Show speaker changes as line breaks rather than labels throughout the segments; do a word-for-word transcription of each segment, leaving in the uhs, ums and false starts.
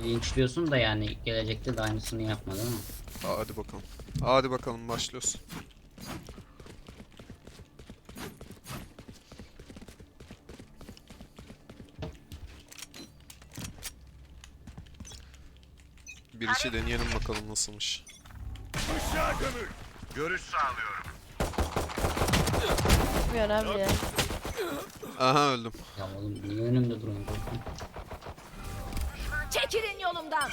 linçliyorsun da yani gelecekte de aynısını yapma değil mi?
Hadi bakalım. Hadi bakalım başlıyoruz. Bir içi deneyelim bakalım nasılmış.
Işığa gömül. Görüş sağlıyorum.
Bilmiyorum abi ya.
Aha öldüm.
Ya oğlum niye önümde duruyorsun?
Çekilin yolumdan.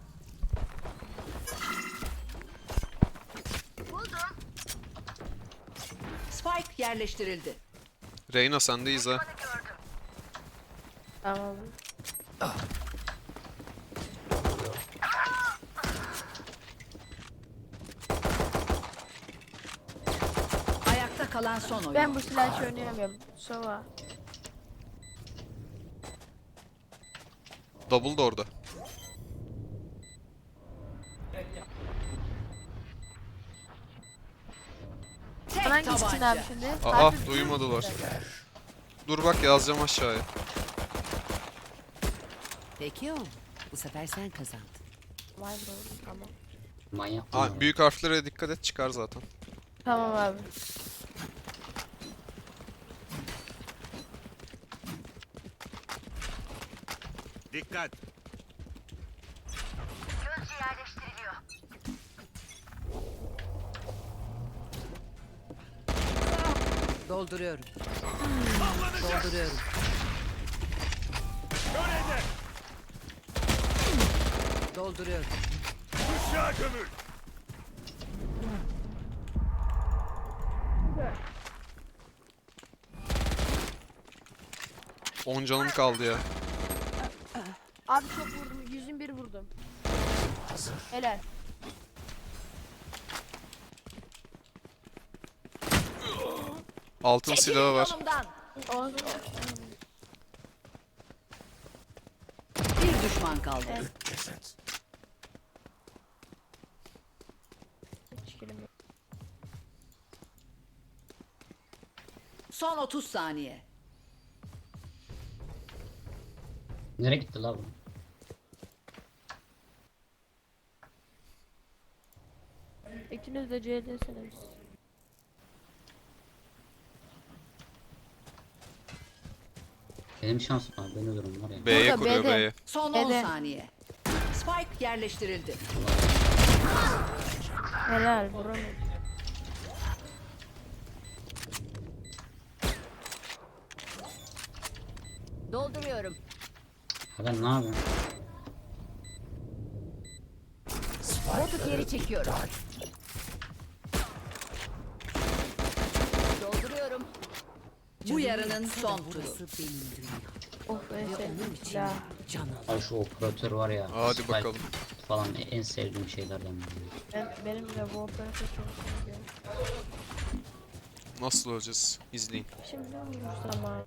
Spike yerleştirildi.
Reyna sendeyiz ha.
Tamam.
Ayakta kalan son oyun.
Ben bu silahı hiç oynayamıyorum. Sova.
Double da orada.
Tek
Hangi için
tabanca.
abi şimdi?
Aa
Harbi-
duymadılar. Dur bak yazacağım aşağıya.
Peki o. Bu sefer sen kazandın.
Vay bro, tamam.
Manyak mı?
Aa, büyük harflere dikkat et çıkar zaten.
Tamam abi.
Dikkat.
Dolduruyorum. Dolduruyorum.
Şöyle de.
Dolduruyorum.
Işığa gömül.
on canım kaldı ya.
Abi çok vurdum. yüz bir vurdum. Helal.
Altın silahı var.
Yolumdan.
O
Bir düşman kaldı.
hiç kilim yok.
Son otuz saniye.
Nereye gitti la bu?
İkiniz de C'desiniz.
Benim şansım var. Ben ölürüm var ya.
B'ye
Burada,
kuruyor
B'de.
B'ye.
Son on
Ede.
saniye. Spike yerleştirildi.
Helal vuramadım.
Dolduruyorum.
Ha ben ne yapayım?
Botu geri çekiyorum. Dolduruyorum. Bu yarının son turu.
Of en sevdiğim silah.
Ay şu operatör var ya.
Hadi
Spike
bakalım.
Falan en sevdiğim şeylerden biri.
Ben, benim de bu operatör çok seviyor.
Nasıl öleceğiz? İzleyin.
Şimdi ne olmuş zaman?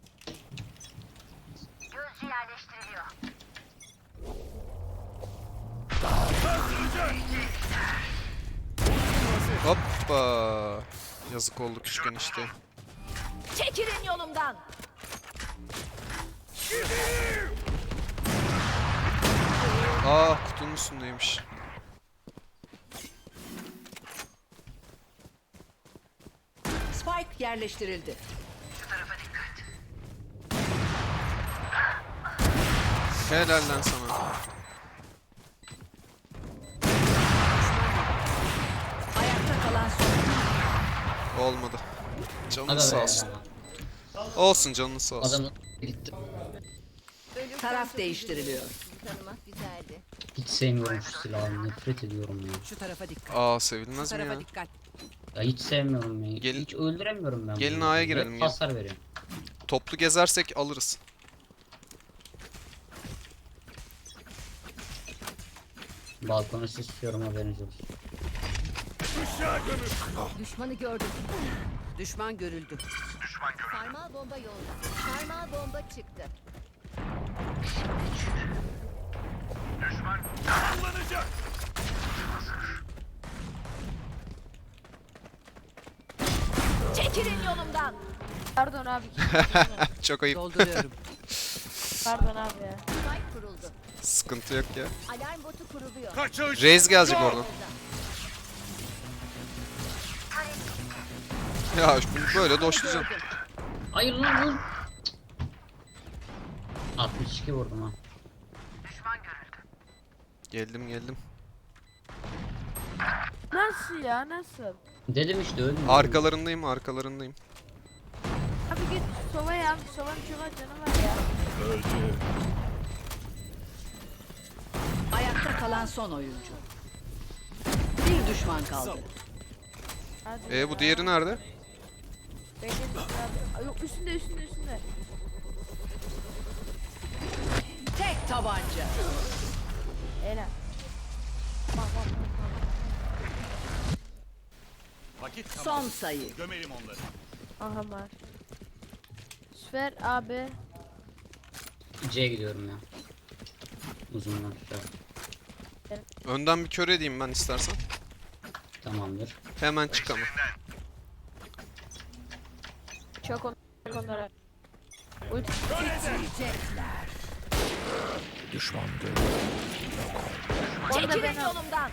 Hoppa. Yazık oldu küçük enişte.
Çekilin yolumdan.
Aa kutunun üstündeymiş.
Spike yerleştirildi.
Helal lan sana.
Ayakta kalan son.
Olmadı. Canın
Hadi
sağ
be.
olsun. Olsun canın sağ olsun.
Adam gitti.
Taraf değiştiriliyor.
Tanımak güzeldi.
Hiç sevmiyorum şu silahı. Nefret ediyorum ya.
Şu tarafa dikkat.
Aa
Şu
sevilmez mi
tarafa
ya?
dikkat.
Ya hiç sevmiyorum ya.
Gelin-
Hiç öldüremiyorum ben.
gelin
bunu.
A'ya
Hep
girelim, gel.
Hasar veriyor.
Toplu gezersek alırız.
Balkonu istiyorum haberiniz olsun.
Işığa gömül.
Düşmanı gördüm.
Düşman görüldü.
Sarmal bomba yolda. Sarmal bomba çıktı.
Kullanacak.
Çekilin yolumdan.
Pardon abi.
Çok ayıp.
Dolduruyorum.
Pardon abi ya.
Spike kuruldu.
Sıkıntı yok ya.
Alarm botu kuruluyor.
Kaçış.
Raze gelecek oradan. Ya bunu böyle doşlayacağım.
Hayır lan lan. altmış iki vurdum ha.
Geldim geldim.
Nasıl ya nasıl?
Dedim işte öldüm.
Arkalarındayım arkalarındayım.
Abi git sova ya. Sovanın çuva canı var ya.
Öldü.
Ayakta kalan son oyuncu. Bir düşman kaldı.
Hadi
E
ya.
bu diğeri nerede?
Bekle, abi. Yok üstünde üstünde üstünde.
Tek tabanca.
Helal. Bak bak bak.
Vakit tamam.
Son sayı.
Gömelim onları.
Aha var. Süper abi.
C'ye gidiyorum ya. Uzundan tutar.
Önden bir kör edeyim ben istersen.
Tamamdır.
Hemen çık ama.
Çok on onlara. Ulti. Çekilin ben yolumdan.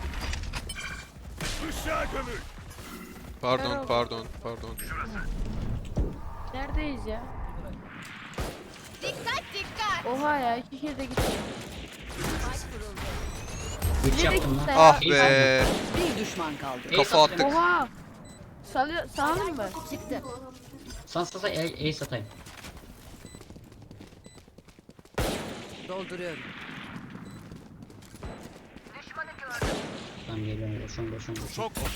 Işığa gömül.
Pardon pardon pardon.
Neredeyiz ya?
Dikkat dikkat.
Oha ya iki kere de gittim.
Maç kuruldu.
üç yaptım lan.
Ah
İyi
be.
Bir düşman kaldı.
Ace
Kafa
atayım.
attık.
Oha. Salıyor, sağlayayım mı?
Çıktı.
San sasa ace atayım.
Dolduruyorum.
Tamam geliyorum boşun boşun boşun.
Çok oku.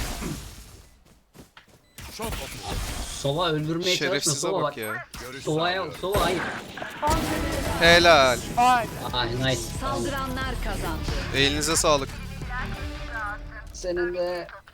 Çok oku.
Sova öldürmeye çalışma
Şerefsize
Sova
bak
bak.
ya.
Görüş
Sova'ya
sağlıyorum.
Sova hayır.
Helal.
Ah nice.
Saldıranlar kazandı.
Elinize sağlık.
Senin de